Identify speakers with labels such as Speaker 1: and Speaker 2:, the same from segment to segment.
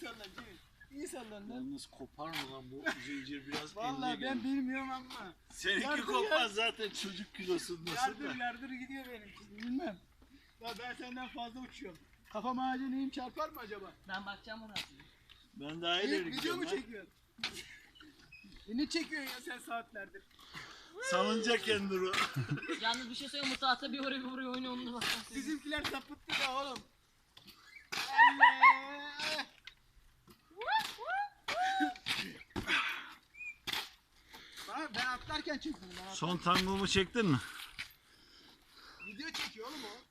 Speaker 1: sallan Cemil. İyi sallan lan.
Speaker 2: Yalnız kopar mı lan bu zincir biraz
Speaker 1: Vallahi ben bilmiyorum ama.
Speaker 2: Seninki
Speaker 1: Yardır
Speaker 2: kopmaz
Speaker 1: ya.
Speaker 2: zaten çocuk kilosundasın
Speaker 1: Yardır
Speaker 2: da.
Speaker 1: yardır gidiyor benimki. Bilmem. Ya ben senden fazla uçuyorum. Kafam ağaca neyim çarpar mı acaba?
Speaker 3: Ben bakacağım ona.
Speaker 2: Ben daha ileri
Speaker 1: Video
Speaker 2: gidiyorum
Speaker 1: mu
Speaker 2: lan.
Speaker 1: çekiyorsun? Ne çekiyorsun ya sen saatlerdir?
Speaker 2: Salınacak Enduro.
Speaker 3: Yalnız bir şey söyleyeyim, bu tahta bir oraya bir buraya oynuyor, onunla bak.
Speaker 1: Bizimkiler sapıttı da oğlum. Allah! Ben atlarken çektim.
Speaker 2: Son tangomu çektin mi?
Speaker 1: Video çekiyor oğlum o.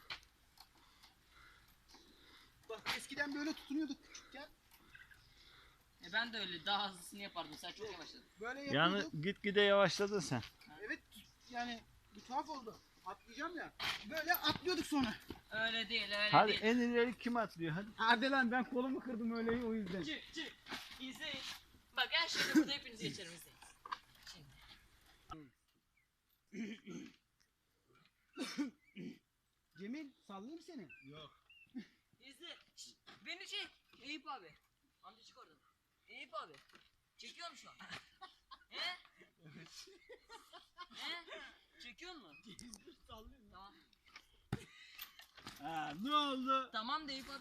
Speaker 1: Bak eskiden böyle tutunuyorduk küçükken.
Speaker 3: Ben de öyle daha hızlısını yapardım, sen çok yavaşladın.
Speaker 1: Böyle
Speaker 2: Yani
Speaker 1: yapıyorduk.
Speaker 2: gitgide yavaşladın sen.
Speaker 1: Evet yani bir tuhaf oldu. Atlayacağım ya. Böyle atlıyorduk sonra.
Speaker 3: Öyle değil, öyle
Speaker 2: Hadi
Speaker 3: değil.
Speaker 2: en ileri kim atlıyor hadi.
Speaker 1: Hadi lan ben kolumu kırdım öyle o yüzden.
Speaker 3: Çık çık, izleyin. Bak her şeyde burada hepinizi geçerim, izleyin.
Speaker 1: Cemil sallayayım seni.
Speaker 2: Yok.
Speaker 3: İzle. Şşt, beni çek. Eyüp abi. Amca çık oradan. Eyüp abi. Çekiyor musun şu an? He? He? Çekiyor musun?
Speaker 1: Sallayayım.
Speaker 3: Tamam.
Speaker 2: Ha, ne oldu?
Speaker 3: Tamam da Eyüp abi.